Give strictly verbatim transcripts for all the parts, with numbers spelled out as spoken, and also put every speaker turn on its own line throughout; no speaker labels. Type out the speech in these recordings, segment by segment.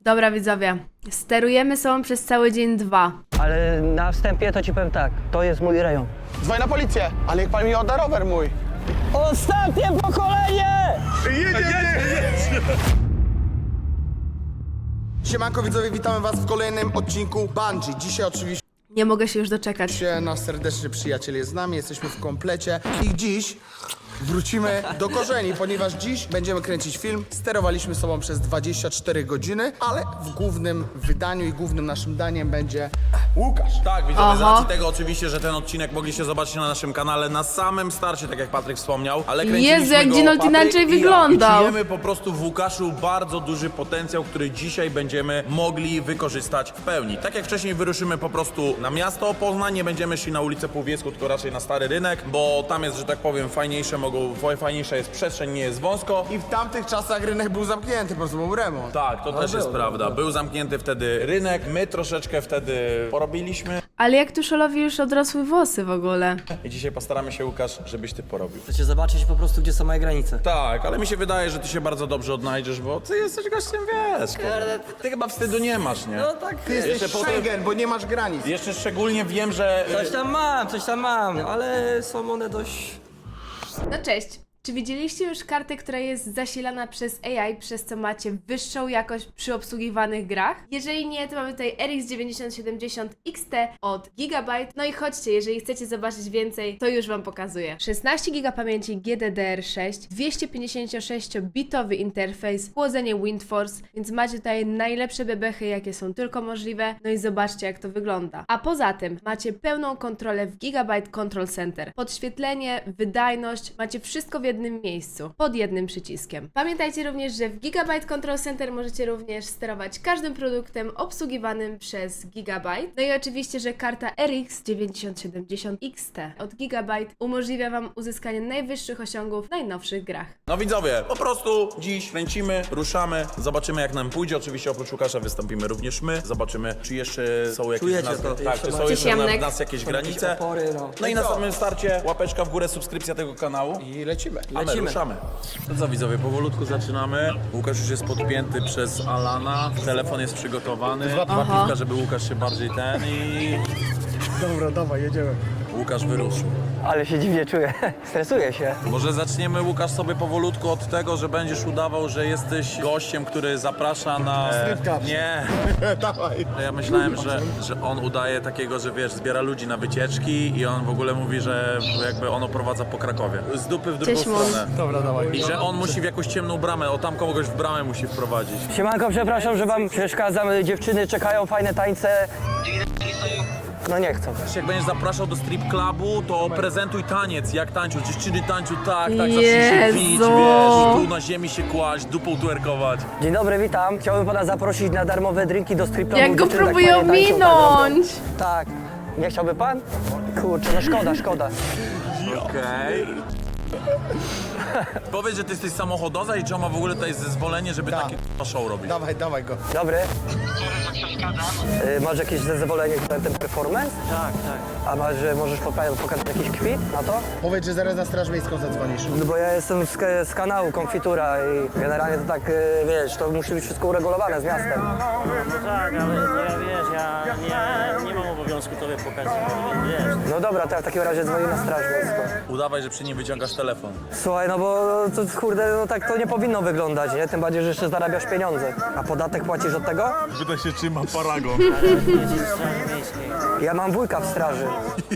Dobra widzowie, sterujemy sobą przez cały dzień dwa.
Ale na wstępie to ci powiem tak, to jest mój rejon.
Dzwoń na policję, ale jak pan mi odda rower mój.
Ostatnie pokolenie!
Siemanko widzowie, witamy was w kolejnym odcinku Bungie. Dzisiaj oczywiście
Nie mogę się już doczekać.
nasz serdeczny przyjaciel jest z nami, jesteśmy w komplecie i dziś wrócimy do korzeni, ponieważ dziś będziemy kręcić film. Sterowaliśmy sobą przez dwadzieścia cztery godziny, ale w głównym wydaniu i głównym naszym daniem będzie Łukasz.
Tak, widzowie, z
Oho.
racji tego oczywiście, że ten odcinek mogliście zobaczyć na naszym kanale na samym starcie, tak jak Patryk wspomniał, ale kręciliśmy
Jezu, jak
go
Ginold
Patryk
inaczej
i ja.
wyglądał.
I czujemy po prostu w Łukaszu bardzo duży potencjał, który dzisiaj będziemy mogli wykorzystać w pełni. Tak jak wcześniej wyruszymy po prostu na miasto Poznań, nie będziemy szli na ulicę Półwiecką, tylko raczej na Stary Rynek, bo tam jest, że tak powiem, fajniejsze mogą, fajniejsza jest przestrzeń, nie jest wąsko.
I w tamtych czasach rynek był zamknięty, po prostu był remont.
Tak, to też jest prawda. Był zamknięty wtedy rynek, my troszeczkę wtedy porobiliśmy
Ale jak Tuszolowi już odrosły włosy w ogóle.
i dzisiaj postaramy się, Łukasz, żebyś ty porobił.
Chcecie zobaczyć po prostu, gdzie są moje granice.
Tak, ale mi się wydaje, że ty się bardzo dobrze odnajdziesz, bo ty jesteś gościem, wiesz. Ty, ty chyba wstydu nie masz, nie?
No tak,
Ty jesteś
Jeszcze potem-
Schengen, bo nie masz granic.
Jeszcze szczególnie wiem, że...
coś tam mam, coś tam mam, ale są one dość...
No cześć. Czy widzieliście już kartę, która jest zasilana przez A I, przez co macie wyższą jakość przy obsługiwanych grach? Jeżeli nie, to mamy tutaj R X dziewięćdziesiąt siedemdziesiąt X T od Gigabyte. No i chodźcie, jeżeli chcecie zobaczyć więcej, to już wam pokazuję. szesnaście giga pamięci G D D R sześć, dwieście pięćdziesiąt sześć bitowy interfejs, chłodzenie WindForce, więc macie tutaj najlepsze bebechy, jakie są tylko możliwe. No i zobaczcie, jak to wygląda. A poza tym macie pełną kontrolę w Gigabyte Control Center. Podświetlenie, wydajność, macie wszystko w jednym miejscu, pod jednym przyciskiem. Pamiętajcie również, że w Gigabyte Control Center możecie również sterować każdym produktem obsługiwanym przez Gigabyte. No i oczywiście, że karta R X dziewięćdziesiąt siedemdziesiąt X T od Gigabyte umożliwia wam uzyskanie najwyższych osiągów w najnowszych grach.
No widzowie, po prostu dziś kręcimy, ruszamy, zobaczymy jak nam pójdzie. Oczywiście oprócz Łukasza wystąpimy również my. Zobaczymy, czy jeszcze są jakieś
Czujecie
w nas,
to?
tak,
Jeszcze
czy są
macie
jeszcze w
ciemnek?
nas jakieś granice.
opory, no.
No i na samym starcie łapeczka w górę, subskrypcja tego kanału.
I lecimy.
A my
Lecimy.
ruszamy. To co widzowie, powolutku zaczynamy. Łukasz już jest podpięty przez Alana. Telefon jest przygotowany. Dwa piwka, żeby Łukasz się bardziej ten i...
Dobra, dawaj, jedziemy.
Łukasz wyruszył.
Ale się dziwnie czuję, stresuję się.
Może zaczniemy, Łukasz, sobie powolutku od tego, że będziesz udawał, że jesteś gościem, który zaprasza na...
Stripclub.
Nie.
Dawaj.
Ja myślałem, że, że on udaje takiego, że wiesz, zbiera ludzi na wycieczki i on w ogóle mówi, że jakby on oprowadza po Krakowie. Z dupy w drugą
Cześć, Mon.
stronę.
Dobra, dawaj.
I że on musi w jakąś ciemną bramę, o tam kogoś w bramę musi wprowadzić.
Siemanko, przepraszam, że wam przeszkadzam, dziewczyny czekają, fajne tańce. No nie chcą.
Jak będziesz zapraszał do strip clubu, to prezentuj taniec, jak tańczą. Dziewczyny tańczą tak, tak, zacznij się bić,
Jezu.
wiesz, tu na ziemi się kłaść, dupą twerkować.
Dzień dobry, witam. Chciałbym pana zaprosić na darmowe drinki do strip clubu.
Jak go
Dziewczyny tak
próbują
fajnie tańczą,
minąć!
Tak, tak. Nie chciałby pan? Kurczę, no szkoda, szkoda.
Okej. Powiedz, że ty jesteś samochodoza i czy on ma w ogóle tutaj zezwolenie, żeby
Tak.
takie k***a show robić.
Dawaj, dawaj go.
Dobry. Y, masz jakieś zezwolenie na ten performance? Tak, tak. A masz, że możesz poka- pokazać jakiś kwit na to?
Powiedz, że zaraz na straż miejską zadzwonisz.
No bo ja jestem z, z kanału Konfitura i generalnie to tak, y, wiesz, to musi być wszystko uregulowane z miastem.
No tak, ale ja wiesz, ja nie, nie mam obowiązku tobie pokazywać, wiesz.
No dobra, to ja w takim razie dzwonię na straż miejską.
Udawaj, że przy nim wyciągasz telefon.
Słuchaj, no bo to kurde, no tak to nie powinno wyglądać, nie? Tym bardziej, że jeszcze zarabiasz pieniądze. A podatek płacisz od tego?
Pyta się, czy ma paragon.
Ale jedzie z Straży Miejskiej.
Ja mam wujka w straży.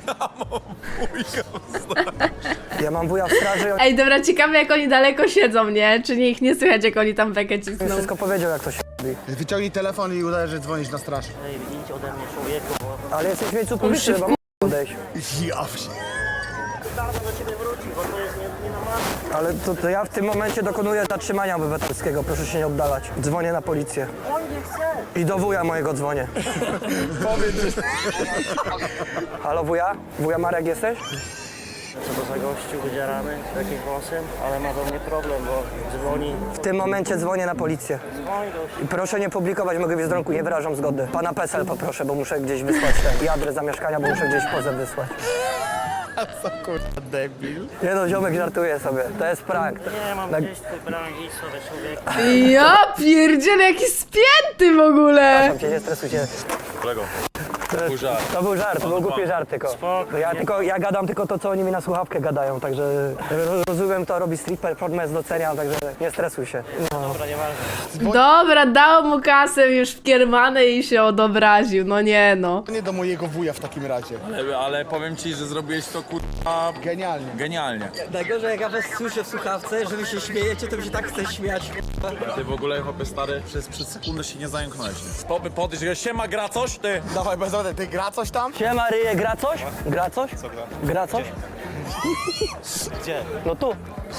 Ja mam wuja w straży i on
Ej, dobra, ciekawe jak oni daleko siedzą, nie? Czy nie ich nie słychać, jak oni tam bekę
mi
cisną?
wszystko powiedział, jak to się robi.
Wyciągnij telefon i udaj, że dzwonisz na straż.
Ej, idź ode mnie, człowieku, bo
Ale jesteś w miejscu publicznym, chyba odejść.
Ja wsi.
zaraz do ciebie wróci, bo to jest nie, nie na masę.
Ale to, to ja w tym momencie dokonuję zatrzymania obywatelskiego, proszę się nie oddalać. Dzwonię na policję.
On nie chce.
I do wuja mojego dzwonię.
Powiedz, że...
Halo wuja? Wuja Marek jesteś?
Co to za gościu wydzierany, jakimś włosem, ale ma do mnie problem, bo dzwoni.
W tym momencie dzwonię na policję.
Dzwoni gościu.
I proszę nie publikować mojego wizerunku, nie wyrażam zgody. Pana PESEL poproszę, bo muszę gdzieś wysłać ten. I adres zamieszkania, bo muszę gdzieś pozew wysłać.
Co kurwa debil.
Nie no, ziomek żartuje sobie, to jest prank.
Nie, mam
Tak.
gdzieś twój bramki, sobie człowiek.
Ja pierdzielę, jaki spięty w ogóle!
Przepraszam cię, nie stresuj się.
Kolego,
To,
był żart.
to był żart, to był głupi żart tylko.
Spoko.
Ja, tylko. ja gadam tylko to, co oni mi na słuchawkę gadają, także ro- rozumiem to, robi street performance, doceniam, także nie stresuj się. No.
Dobra, nieważne.
Dobra, dał mu kasę już w kiermane i się odobraził, no nie no.
Nie do mojego wuja w takim razie.
Ale, ale powiem ci, że zrobiłeś to kurwa
Genialnie.
genialnie.
Najgorzej jak ja was słyszę w słuchawce, że wy się śmiejecie, to mi się tak chce śmiać.
Ty w ogóle, chłopie stary, przez, przez sekundę się nie zająknąłeś. Popy podejść, że siema, gra coś, ty?
Dawaj, bez rady, ty gra coś tam?
Siema Ryje, gra coś? Gra coś? Co gra? Gra coś?
Gdzie?
No tu.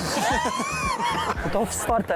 To wsparte.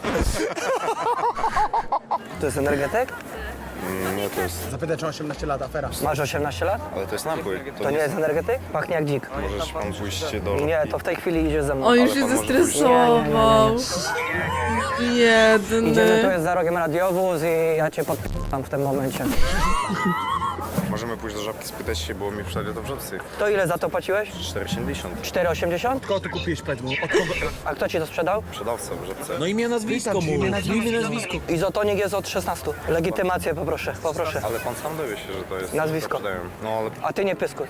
To jest energetyk?
Nie, to jest,
Zapytaj, czy osiemnaście lat, afera.
Masz osiemnaście lat?
ale to jest napój. To,
To nie jest energetyk? Pachnie jak dzik.
możesz pan pójść do
Nie, to w tej chwili idziesz ze mną.
On już
Ale
się
pan może
zestresował.
Idziemy, tu
Biedny.
jest za rogiem radiowóz i ja cię podpam w tym momencie.
Możemy pójść do Żabki, spytać się, bo mi przydali to w Żabce.
To ile za to płaciłeś?
cztery siedemdziesiąt.
cztery osiemdziesiąt?
Kogo ty kupiłeś, powiedz mu? Od kogo?
A kto ci to sprzedał?
Sprzedawca w Żabce.
No imię, nazwisko mu. Imię, nazwisko.
Izotonik jest od szesnastu. Legitymację poproszę, poproszę.
Ale pan sam dowie się, że to jest...
Nazwisko.
to sprzedają. No ale
A ty nie pyskuj.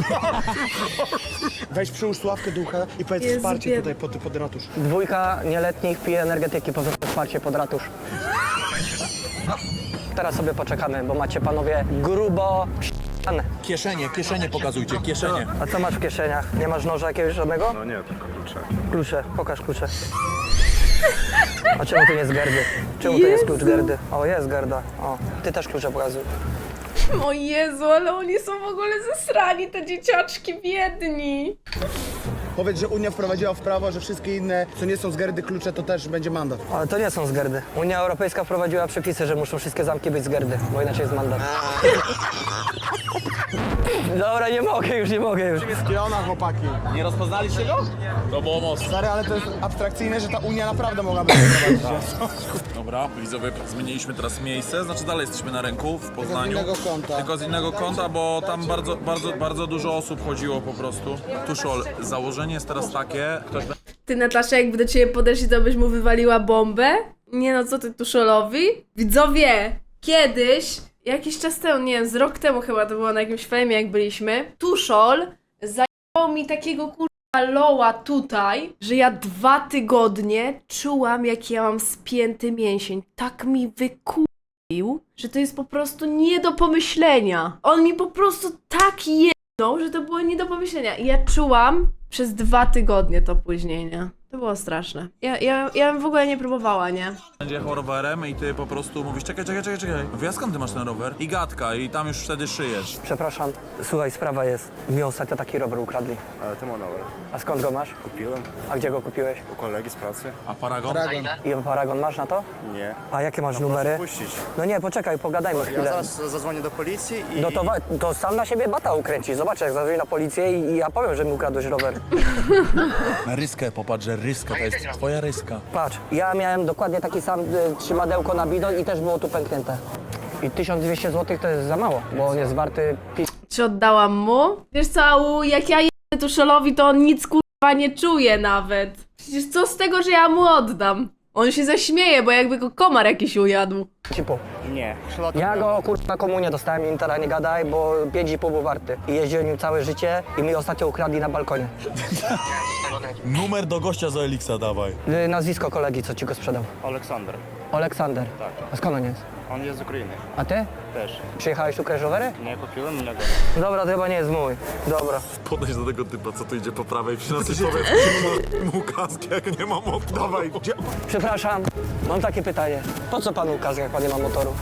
Weź przyłóż sławkę do ucha i powiedz
Jezu,
wsparcie
biedny.
tutaj pod, pod ratusz.
Dwójka nieletnich pije energetyki, poza wsparcie pod ratusz. Teraz sobie poczekamy, bo macie panowie grubo p***ane.
Kieszenie, kieszenie pokazujcie, kieszenie.
A co masz w kieszeniach? Nie masz noża jakiegoś żadnego?
no nie, tylko klucze.
Klucze, pokaż klucze. A czemu tu nie jest gardy? Czemu tu jest klucz gardy? O, jest garda. O, ty też klucze pokazuj.
O Jezu, ale oni są w ogóle zesrani, te dzieciaczki biedni.
Powiedz, że Unia wprowadziła w prawo, że wszystkie inne, co nie są z gardy klucze, to też będzie mandat.
Ale to nie są z gardy. Unia Europejska wprowadziła przepisy, że muszą wszystkie zamki być z gardy, bo inaczej jest mandat. Dobra, nie mogę już, nie mogę już.
Kiona, chłopaki.
Nie rozpoznaliście go? To było mocno.
Stary, ale to jest abstrakcyjne, że ta Unia naprawdę mogłaby wprowadzić.
Dobra, widzowie, zmieniliśmy teraz miejsce, znaczy dalej jesteśmy na rynku w Poznaniu.
innego kąta.
Tylko z innego kąta, bo tam bardzo, bardzo, bardzo dużo osób chodziło po prostu. Tuszol, założenie jest teraz takie, ktoś
Ty, Natasza, jakby do ciebie podeszli, to byś mu wywaliła bombę? Nie no, co ty, Tuszolowi? Widzowie, kiedyś, jakiś czas temu, nie wiem, z rok temu chyba to było na jakimś fejmie, jak byliśmy, Tuszol zajęło mi takiego kurwa loła tutaj, że ja dwa tygodnie czułam, jak ja mam spięty mięsień. Tak mi wykupił, że to jest po prostu nie do pomyślenia. On mi po prostu tak jedną, że to było nie do pomyślenia. I ja czułam przez dwa tygodnie to później, nie? To było straszne. Ja, ja, ja bym w ogóle nie próbowała, nie?
będzie jechał rowerem i ty po prostu mówisz czekaj, czekaj, czekaj, czekaj. Mówię, a skąd ty masz ten rower? I gadka, i tam już wtedy szyjesz.
Przepraszam, słuchaj, sprawa jest. Mi ostatnio taki rower ukradli.
Ale ty ma rower.
A skąd go masz?
Kupiłem
A gdzie go kupiłeś?
u kolegi z pracy.
A Paragon?
Paragon.
I paragon masz na to?
Nie.
A jakie masz numery?
Puścić.
No nie, poczekaj, pogadajmy
Ja
chwilę.
zaraz zadzwonię do policji i...
No to, wa- to sam na siebie bata ukręci. Zobacz, jak zadzwoni na policję i, i ja powiem, że mi ukradłeś rower.
Na ryskę, popatrz, że ryska, to jest twoja ryska.
Patrz, ja miałem dokładnie taki sam y, trzymadełko na bidon i też było tu pęknięte. I tysiąc dwieście złotych to jest za mało, bo on jest warty pi...
Czy oddałam mu? Wiesz co, Au, jak ja jedę Tuszolowi, to on nic kurwa nie czuje nawet. Przecież co z tego, że ja mu oddam? On się zaśmieje, bo jakby go komar jakiś ujadł.
cipu.
Nie.
Ja go kurwa na komunię dostałem, Intera nie gadaj, bo pięć i pół był warty. I jeździłem nim całe życie i mi ostatnio ukradli na balkonie.
Numer do gościa z Elixa dawaj.
Y, Nazwisko kolegi, co ci go sprzedał.
Aleksander.
Aleksander.
Tak.
A skąd on jest?
On jest z Ukrainy.
A ty?
Też.
Przyjechałeś tu kraść rowery?
Nie kupiłem innego.
Dobra, to chyba nie jest mój. Dobra.
Podejdź do tego typa, co tu idzie po prawej, przynosi powiedz mu kaskę, jak nie mam od... Dawaj, gdzie?
Przepraszam, mam takie pytanie. Po co panu ukaz, jak pan nie ma motoru?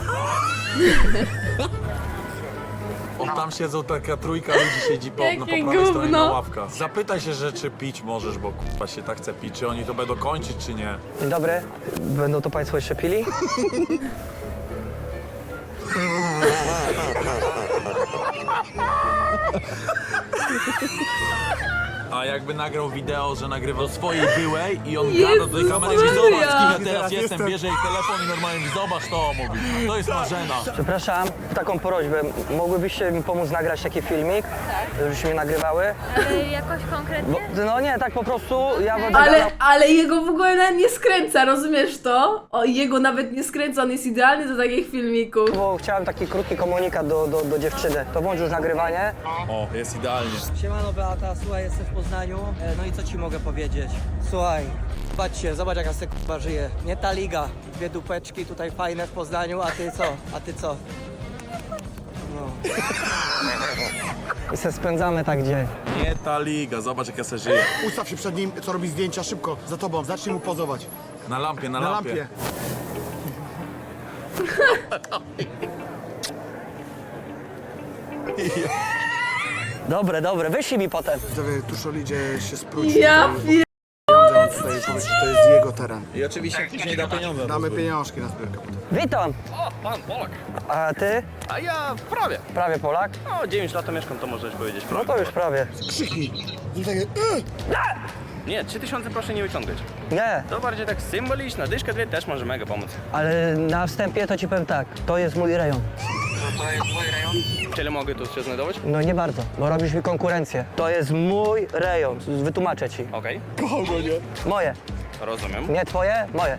O, tam siedzą taka trójka ludzi, siedzi po, no, po
Jakie
prawej stronie na
gówno.
ławkach. Zapytaj się, że czy pić możesz, bo kurwa się tak chce pić, czy oni to będą kończyć, czy nie.
Dzień dobry. Będą to państwo jeszcze pili?
A jakby nagrał wideo, że nagrywa do swojej byłej i on
Jezus
gada do tej kamery i mówi,
Maria.
zobacz, kim ja teraz jestem, bierze jej telefon i normalnie mówi, zobacz to, mówi. To jest Marzena.
Przepraszam, taką prośbę. Mogłybyście mi pomóc nagrać taki filmik? Tak. Żebyśmy mnie nagrywały?
Ale jakoś konkretnie?
Bo, no nie, tak po prostu ja będę
Ale,
gadał.
ale jego w ogóle nawet nie skręca, rozumiesz to? O, jego nawet nie skręca, on jest idealny do takich filmików.
Bo chciałem taki krótki komunikat do, do, do dziewczyny. To włącz już nagrywanie.
O, jest idealnie.
Siemano Beata, słuchaj, jestem w Poznaniu. E, No i co ci mogę powiedzieć? Słuchaj, patrzcie, zobacz jaka se k***a żyje. Nie ta liga. Dwie dupeczki tutaj fajne w Poznaniu, a ty co? A ty co? No.
I se spędzamy tak dzień.
Nie ta liga, zobacz jak ja se żyję.
Ustaw się przed nim, co robi zdjęcia szybko, za tobą, zacznij mu pozować.
Na lampie, na,
Na
lampie.
lampie.
Dobre, dobre, wyślij mi potem.
Widzowie, Tuszol idzie się sprócić.
Ja pier...
Tutaj powiedz, że to jest jego teren.
I oczywiście później da pieniądze.
Damy pieniążki na zbiórkę potem.
Witam.
O, pan Polak.
A ty?
A ja prawie.
Prawie Polak?
No, dziewięć lat to mieszkam, to możesz powiedzieć
No
prawie.
to już prawie.
Krzyknij. I takie, "Ej!"
Nie, trzy tysiące proszę nie wyciągać.
Nie,
To bardziej tak symboliczna, dyszka dwie też może mega pomóc.
ale na wstępie to ci powiem tak. To jest mój rejon.
Czyli mogę tu się znajdować?
No nie bardzo, bo robisz mi konkurencję. To jest mój rejon. Wytłumaczę ci.
Okej,
Moje.
rozumiem.
Nie twoje, moje.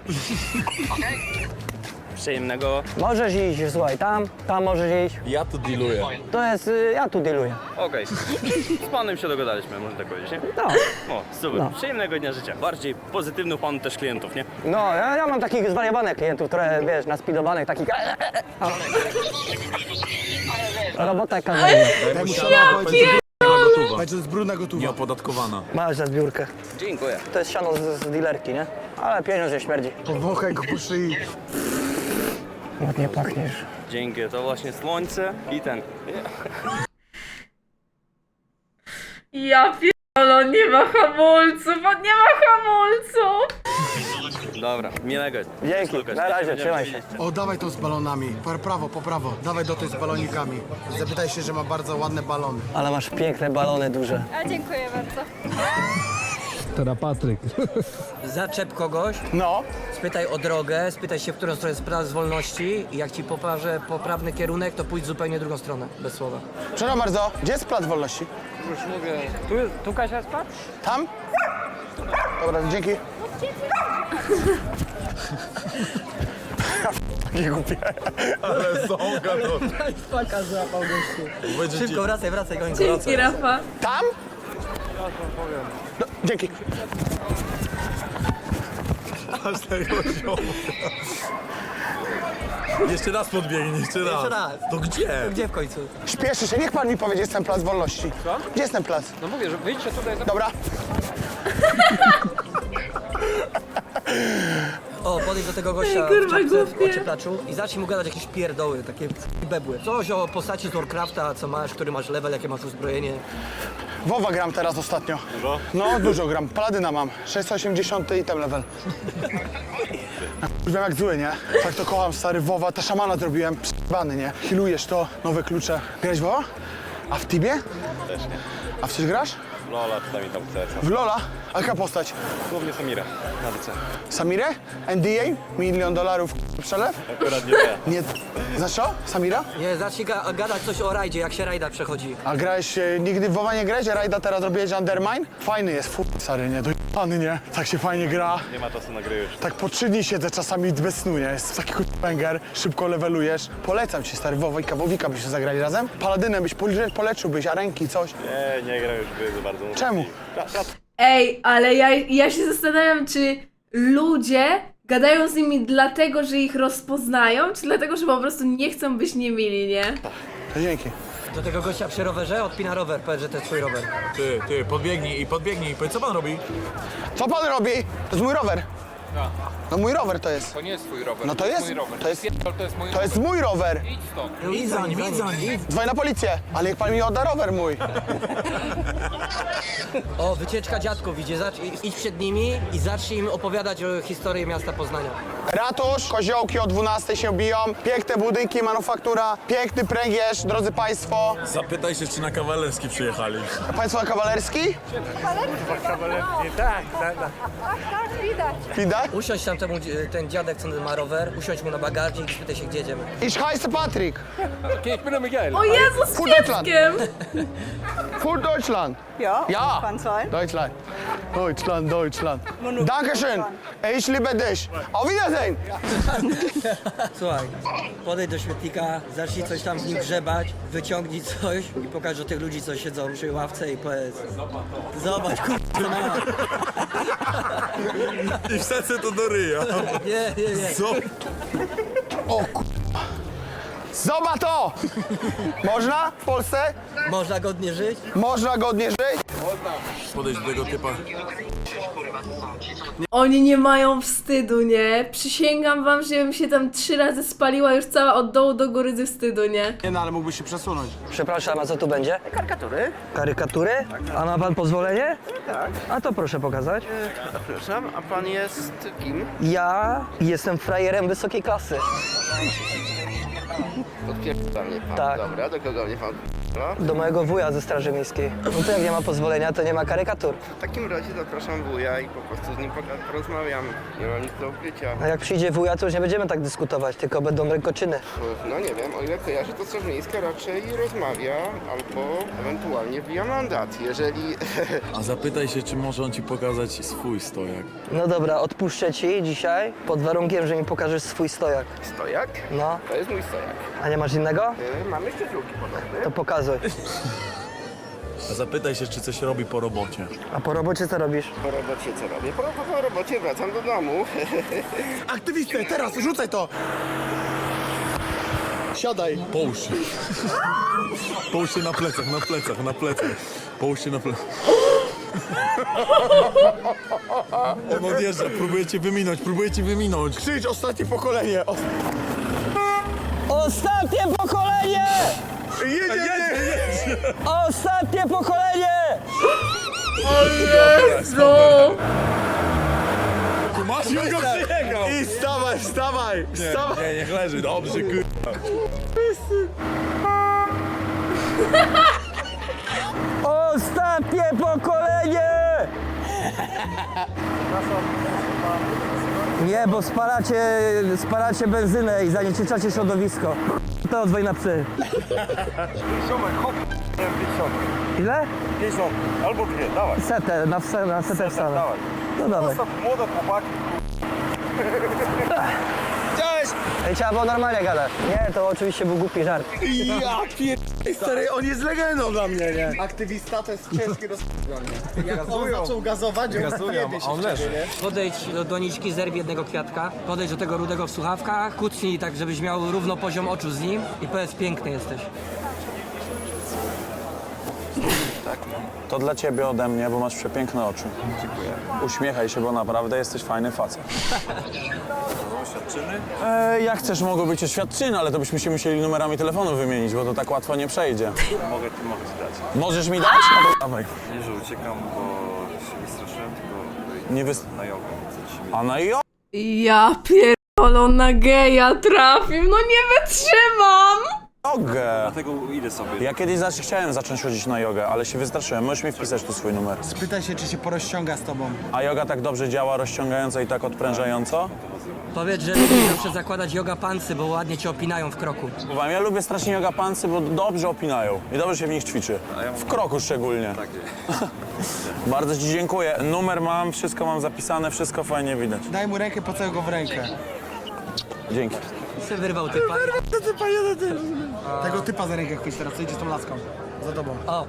Przyjemnego.
Możesz iść, słuchaj, tam, tam możesz iść.
Ja tu dealuję.
To jest, y, ja tu dealuję.
Okej. Z panem się dogadaliśmy, można tak powiedzieć, nie?
No,
O, super.
No.
Przyjemnego dnia życia. Bardziej pozytywnych pan też klientów, nie?
no ja, ja mam takich zwariowanych klientów, które, wiesz, naspidowanych, takich... Robota jaka
Daj mu siano, powiedz, że-
Gotowa.
powiedz, że jest brudna gotowa.
Nieopodatkowana.
Masz za zbiórkę.
Dziękuję.
To jest siano z, z dealerki, nie? Ale pieniądz nie śmierdzi.
Powąchaj go po szyi.
Ładnie pachniesz.
Dzięki, to właśnie słońce i ten.
Ja pierdolę, nie ma hamulców, on nie ma hamulców!
Dobra, miłego.
Dzięki,
Słuchaj,
na razie,
będziemy
trzymaj
się
się.
widzieć.
O, dawaj to z balonami. Po prawo, po prawo. Dawaj do tej z balonikami. Zapytaj się, że ma bardzo ładne balony.
Ale masz piękne balony duże.
A dziękuję bardzo.
Zaczep kogoś,
No.
spytaj o drogę, spytaj się, w którą stronę jest plac wolności i jak ci pokaże poprawny kierunek, to pójdź zupełnie drugą stronę, bez słowa.
Przepraszam bardzo, gdzie jest plac wolności?
Już mówię. Tu, tu Kasia jest plac?
Tam? Dobra, dzięki. Nie głupie.
Ale ząga to.
Faka złapał gościu.
Będzie
Szybko, wracaj, wracaj, goń.
Dzięki, Rafa.
Tam? No, dzięki.
Aż tego ziomu. Jeszcze raz podbiegnie, jeszcze raz.
Jeszcze raz.
To gdzie?
Gdzie w końcu?
Śpieszy się, niech pan mi powie, gdzie jest ten plac wolności. Co? Gdzie jest ten plac?
No mówię, że wyjdźcie tutaj.
Dobra.
O, podejdź do tego gościa
Ej, kurwa,
w czapce, w
głupie.
ocieplaczu i zacznij mu gadać jakieś pierdoły, takie bebły. Coś o postaci z Warcrafta, co masz, który masz level, jakie masz uzbrojenie.
WoWa gram teraz ostatnio. Dużo? No, dużo gram. Paladyna mam. sześćset osiemdziesiąt i ten level. Już wiem jak zły, nie? Tak to kocham, stary WoWa. Ta szamana zrobiłem. Przybany, nie? Healujesz to, nowe klucze. Grałeś w WoWa? A w Tibie?
Też nie.
A w coś grasz?
Lola, czasami tam chcę.
W Lola? A jaka postać?
Głównie Samira, na D C.
Samirę? N D A? Milion dolarów przelew?
Akurat nie te.
Nie. Znasz co? Samira?
Nie, zacznij ga gadać coś o rajdzie, jak się rajda przechodzi.
A grałeś, e, nigdy w WoWa nie grałeś? A Rajda teraz robiłeś Undermine? Fajny jest, fu, stary, nie? Dojebany, nie? Tak się fajnie gra.
Nie ma czasu na gry już.
Tak po trzy dni siedzę czasami bez snu, nie? Jest taki banger, szybko levelujesz. Polecam ci, stary, Wowika, Wowika byście zagrali razem. Paladynem byś pole- poleczyłbyś, a ręki, coś.
Nie, nie gra już gry za bardzo.
Czemu?
Ej, ale ja, ja się zastanawiam, czy ludzie gadają z nimi dlatego, że ich rozpoznają, czy dlatego, że po prostu nie chcą być niemili, nie?
To dzięki.
Do tego gościa przy rowerze odpina rower, powiedz, że to jest twój rower.
Ty, ty, podbiegnij i podbiegnij. Powiedz, co pan robi?
Co pan robi? To jest mój rower. No mój rower to jest.
To nie jest twój rower.
No to jest,
mój rower.
to jest,
Pierdol, to jest mój
to
rower.
jest mój rower.
Idź stąd.
Idź za nim, idź za nim.
Dzwoń na policję, ale niech pan mi odda rower mój.
O, wycieczka dziadków, idzie, zacz- idź przed nimi i zacznij im opowiadać o historii miasta Poznania.
Ratusz, koziołki o dwunastej się biją, piękne budynki, manufaktura, piękny pręgierz, drodzy państwo.
Zapytaj się, czy na kawalerski przyjechali.
Państwo na kawalerski? Widać?
Usiądź tam temu, dzie- ten dziadek, co ma rower, usiądź mu na bagażnik i spytaj się, gdzie jedziemy.
Ich heiße Patrick.
O Jezu, z
Für Deutschland.
pieskiem!
Für Deutschland.
Ja,
Ja.
kann sein.
Deutschland. Deutschland, Deutschland. Dankeschön. Ich liebe dich. Auf Wiedersehen.
Słuchaj, podejdź do śmietnika, zacznij coś tam z nim grzebać, wyciągnij coś i pokaż do tych ludzi, co siedzą przy ławce i powiedz: zobacz, kurwa, ma.
I wsadzę to do ryja.
Nie, nie, nie.
Co?
Zobacz to! Można w Polsce?
Można godnie żyć?
Można godnie żyć?
Podejdź do tego typa.
Oni nie mają wstydu, nie? Przysięgam wam, że ja bym się tam trzy razy spaliła już cała od dołu do góry ze wstydu, nie?
Nie no, ale mógłbyś się przesunąć.
Przepraszam, a co tu będzie?
Karykatury?
Karykatury? A ma pan pozwolenie? Tak. A to proszę pokazać.
Przepraszam, a pan jest kim?
Ja jestem frajerem wysokiej klasy.
Odpierdza mnie pan.
Tak.
Dobra, do kogo mnie pan no?
Do mojego wuja ze Straży Miejskiej. No to jak nie ma pozwolenia, to nie ma karykatur.
W takim razie zapraszam wuja i po prostu z nim poga- porozmawiam. Nie mam nic do ukrycia.
A jak przyjdzie wuja, to już nie będziemy tak dyskutować, tylko będą rękoczyny.
No nie wiem, o ile kojarzę, to Straż Miejska raczej rozmawia albo ewentualnie wbija mandat, jeżeli...
A zapytaj się, czy może on ci pokazać swój stojak.
No dobra, odpuszczę ci dzisiaj, pod warunkiem, że mi pokażesz swój stojak.
Stojak?
No,
To jest mój stojak.
a nie masz innego?
Yy, mam jeszcze drugi podobny.
To pokazuj.
A zapytaj się, czy coś robi po robocie.
A po robocie co robisz?
Po robocie co robię? Po, po, po robocie wracam do domu.
Aktywistę, teraz, rzucaj to! Siadaj.
Połóż się. Połóż się na plecach, na plecach, na plecach. Połóż się na plecach. On odjeżdża, próbuje cię wyminąć, próbuje cię wyminąć.
Krzycz, ostatnie pokolenie. O...
Ostatnie pokolenie!
Jedzie, jedzie!
Ostatnie pokolenie!
Jezu!
Masz ją go przyjechał!
I wstawaj, wstawaj, wstawaj!
Nie, niech leży, dobrze, kur...
Ostatnie pokolenie! Nie, bo spalacie, spalacie benzynę i zanieczyszczacie środowisko. To odzwoń na psy. Ile?
Albo dwie, dawaj.
Setę, na, wse, na setę wstanę. No dawaj.
Młode chłopaki.
Cześć!
Ej, trzeba było normalnie gadać. Nie, to oczywiście był głupi żart.
Ja pier... Stary, on jest legendą dla mnie, nie? Aktywista to jest ciężki do dla mnie. Jak on zaczął gazować, on się on leży.
Podejdź do doniczki, zerwij jednego kwiatka, podejdź do tego rudego w słuchawkach, kucnij tak, żebyś miał równo poziom oczu z nim i powiedz: piękny jesteś.
To dla ciebie ode mnie, bo masz przepiękne oczy. Dziękuję. Uśmiechaj się, bo naprawdę jesteś fajny facet.
Oświadczyny?
E, jak chcesz, mogą być oświadczyny, ale to byśmy się musieli numerami telefonu wymienić, bo to tak łatwo nie przejdzie.
Mogę, mogę ci dać.
Możesz mi dać? No to dawaj.
Nie, że uciekam, bo się wystraszyłem, tylko
Nie wys...
na jogę. Chcę ci
A na jo...
Ja pierdolę, na geja trafił, no nie wytrzymam!
jogę.
Dlatego idę sobie.
Ja kiedyś zaś chciałem zacząć chodzić na jogę, ale się wystraszyłem. Możesz mi wpisać tu swój numer.
Spytaj się, czy się porozciąga z tobą.
A joga tak dobrze działa, rozciągająco i tak odprężająco?
Powiedz, że lubisz zawsze zakładać yoga pantsy, bo ładnie cię opinają w kroku.
Wam, ja lubię strasznie yoga pantsy, bo dobrze opinają i dobrze się w nich ćwiczy. W kroku szczególnie. Bardzo ci dziękuję. Numer mam, wszystko mam zapisane, wszystko fajnie widać.
Daj mu rękę, pocałuj go w rękę.
Dzięki.
I se wyrwał typa.
Tego typa za rękę chwyć teraz, co idzie z tą laską. Za tobą.
O,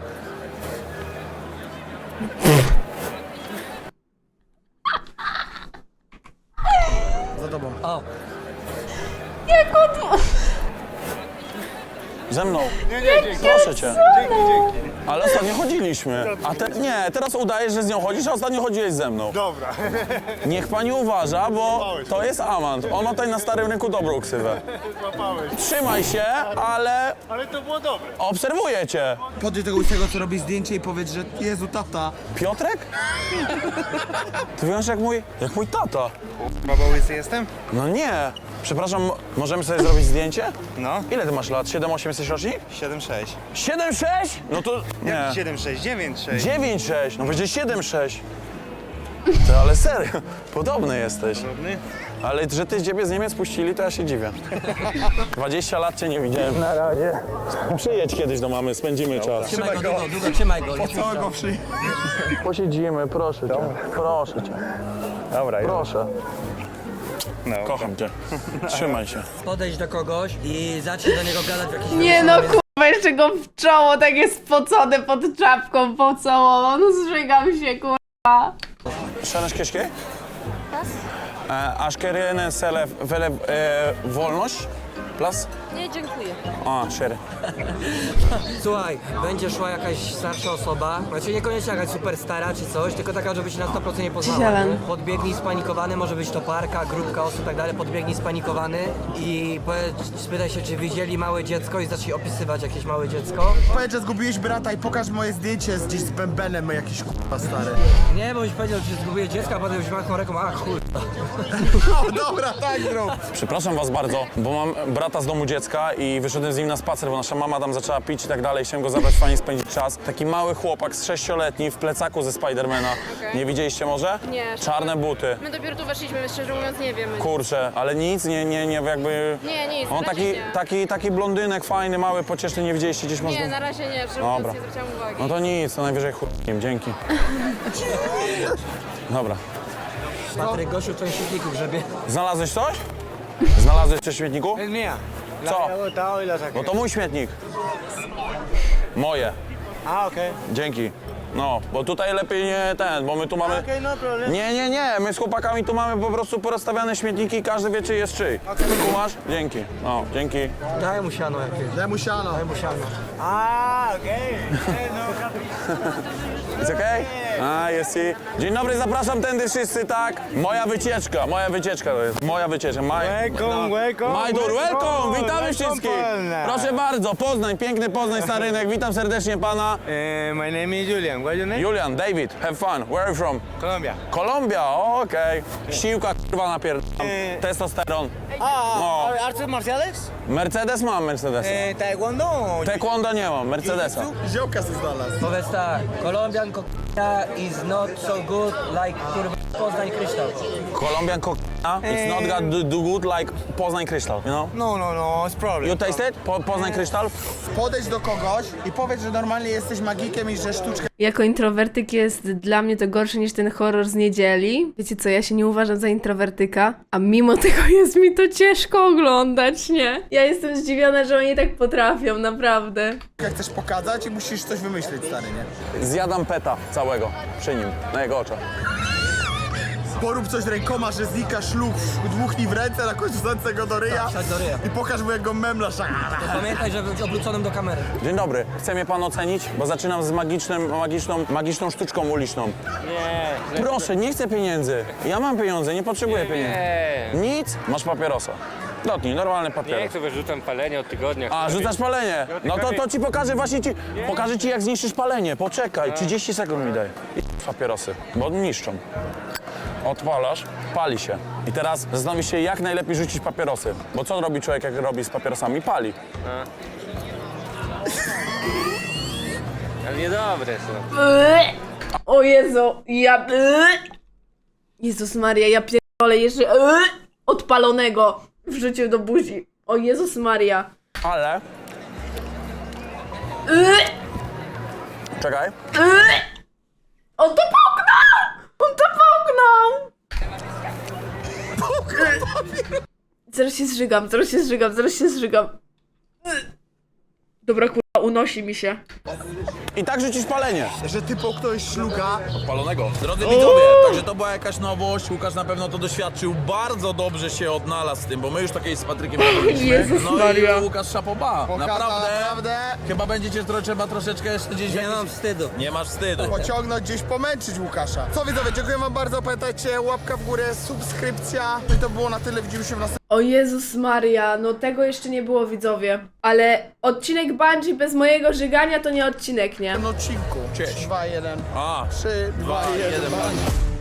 Za tobą.
o.
Jak on...
Ze mną. Nie, nie, dzięki. Proszę cię. Dzięki, dzięki. Ale ostatnio chodziliśmy. A te, nie, teraz udajesz, że z nią chodzisz, a ostatnio chodziłeś ze mną.
Dobra.
Niech pani uważa, bo to jest amant. On ma tutaj na starym rynku dobrą ksywę. Trzymaj się, ale
Ale to było dobre.
obserwuję cię.
Podjedź tego łysego, co robi zdjęcie i powiedz, że Jezu, tata.
Piotrek? Ty wyglądasz jak mój, jak mój tata.
Baba łysy jestem?
No nie. Przepraszam, możemy sobie zrobić zdjęcie?
No.
Ile ty masz lat? siedem osiem jesteś rocznik?
siedem sześć.
siedem sześć? No to nie.
siedem sześć, dziewięć sześć.
dziewięć sześć, no będzie siedem sześć. Ty, ale serio, podobny jesteś.
Podobny?
Ale że ty ciebie z Niemiec puścili, to ja się dziwię. dwadzieścia lat cię nie widziałem. Na razie. Przyjedź kiedyś do mamy, spędzimy czas.
Trzymaj go, długo, długo, trzymaj go. Nie
Co go przy...
Posiedzimy, proszę cię. Proszę cię.
Dobra,
Proszę.
No.
Kocham cię. Trzymaj się.
Podejdź do kogoś i zacznij do niego gadać w jakiś
Nie no,
wywiad.
kurwa, jeszcze go w czoło takie spocone pod czapką pocałował. No zżygam się, kurwa.
Szanowni Kieszkie? Aż kieruję selę wolność? Plus?
Nie, dziękuję.
A, cztery.
Słuchaj, będzie szła jakaś starsza osoba, znaczy niekoniecznie jakaś super stara czy coś, tylko taka, żeby się na sto procent nie poznała.
Zielen.
nie? Podbiegnij spanikowany, może być to parka, grupka osób i tak dalej, podbiegnij spanikowany i powiedz, spytaj się, czy widzieli małe dziecko i zacznij opisywać jakieś małe dziecko.
Powiedz, że zgubiłeś brata i pokaż moje zdjęcie z gdzieś z bębenem jakiś k***a stary.
Nie, bo byś powiedział, że zgubię dziecko, a potem byś machnął ręką, a chuj.
O, dobra, tak zrób.
Przepraszam was bardzo, bo mam brata z domu dziecka i wyszedłem z nim na spacer, bo nasza mama tam zaczęła pić i tak dalej. Chciałem go zabrać, fajnie spędzić czas. Taki mały chłopak z sześcioletni w plecaku ze Spidermana.
Okej.
Nie widzieliście może?
Nie.
Czarne buty.
My dopiero tu weszliśmy, szczerze mówiąc nie wiemy.
Kurczę, ale nic, nie, nie, nie, jakby...
Nie, nic,
On
na razie
taki,
nie.
taki, taki blondynek fajny, mały, pocieszny, nie widzieliście gdzieś może?
Nie, na razie nie, szczerze
Dobra.
mówiąc nie zwróciłam uwagi.
No to nic, to najwyżej chłopkiem, dzięki. Dobra.
Patryk, gościu, co świetniku grzebie.
Znalazłeś coś? Znalazłeś coś w śmietniku?
mía.
Co? No to mój śmietnik. Moje.
A, okej.
Dzięki. No, bo tutaj lepiej nie ten, bo my tu mamy...
Okej, no problem.
Nie, nie, nie, my z chłopakami tu mamy po prostu porozstawiane śmietniki i każdy wie, czy jest czyj. Kumasz? Dzięki. No, dzięki.
Daj mu siano jakieś.
Daj mu siano.
Daj mu siano.
Jest okej? A, jest i... Dzień dobry, zapraszam tędy wszyscy, tak? Moja wycieczka, moja wycieczka to jest. Moja wycieczka. My...
Welcome, welcome.
Majdur, welcome! Witamy
welcome,
wszystkich!
Polna.
Proszę bardzo, Poznań, piękny Poznań, stary rynek. Witam serdecznie pana.
Uh, my name is Julian. What's your name?
Julian, David, have fun. Where are you from?
Colombia.
Kolumbia, okej. Siłka, kurwa, napierdalam.
Eee.
Testosteron.
A, artes marciales?
Mercedes mam Mercedesa.
taekwondo?
Taekwondo nie mam, Mercedesa.
Ziołka se znalazł.
Powiedz tak, Colombian cocaine is not so good like kurwa Poznań kryształ.
Colombian cocaine, it's not got do, do good like Poznań Kryształ, you know?
No, no, no, it's problem.
You taste it? Po, Poznań Kryształ?
Podejdź do kogoś i powiedz, że normalnie jesteś magikiem i że sztuczkę
Jako introwertyk jest dla mnie to gorsze niż ten horror z niedzieli. Wiecie co, ja się nie uważam za introwertyka, a mimo tego jest mi to ciężko oglądać, nie? Ja jestem zdziwiona, że oni tak potrafią, naprawdę.
chcesz pokazać i musisz coś wymyślić, stary, nie?
Zjadam peta całego przy nim, na jego oczach.
Porób coś rękoma, że znika szluk, dmuchnij w ręce, na końcu wsadź go do ryja
Wsadź do ryja.
i pokaż mu jak go memlasz.
Pamiętaj, żeby być obróconym do kamery.
Dzień dobry, chce mnie pan ocenić? Bo zaczynam z magicznym, magiczną, magiczną sztuczką uliczną.
Nie.
Proszę, nie chcę pieniędzy. Ja mam pieniądze, nie potrzebuję pieniędzy.
Nie.
Nic? Masz papierosa. Dotknij, normalny
Nie
papieros.
chcę, wyrzucam palenie od tygodnia.
A, rzucasz palenie. No to, to ci pokażę właśnie ci, pokażę ci jak zniszczysz palenie. Poczekaj, trzydzieści sekund mi daj. I papierosy, bo niszczą. Odpalasz, pali się. I teraz zastanowisz się, jak najlepiej rzucić papierosy. Bo co robi człowiek, jak robi z papierosami? Pali.
Ale niedobre są.
O Jezu, ja... Jezus Maria, ja pierdolę jeszcze odpalonego wrzucił do buzi. O Jezus Maria.
Ale... Czekaj.
On to połknął! On to połknął! Zaraz się zżygam, zaraz się zżygam, zaraz się zżygam. Dobra, kurwa, unosi mi się.
I tak rzucisz palenie.
Że ty połknąłeś szluga.
Palonego. Drodzy widzowie, także to była jakaś nowość. Łukasz na pewno to doświadczył. Bardzo dobrze się odnalazł z tym, bo my już takiej z Patrykiem robiliśmy.
Jezus
No
Maria.
i Łukasz szapoba.
Pokazał
Naprawdę.
naprawdę.
Chyba będziecie tro, trzeba troszeczkę jeszcze gdzieś...
Nie mam wstydu.
Nie masz wstydu.
Pociągnąć gdzieś, pomęczyć Łukasza. Co widzowie, dziękuję wam bardzo. Pamiętajcie, łapka w górę, subskrypcja. No i to było na tyle. Widzimy się w następnym.
O Jezus Maria, no tego jeszcze nie było, widzowie. Ale odcinek Bungie bez mojego żygania to nie odcinek, nie?
odcinku.
Cześć.
trzy, dwa, jeden.
A,
trzy, dwa,
dwa,
jeden.
jeden.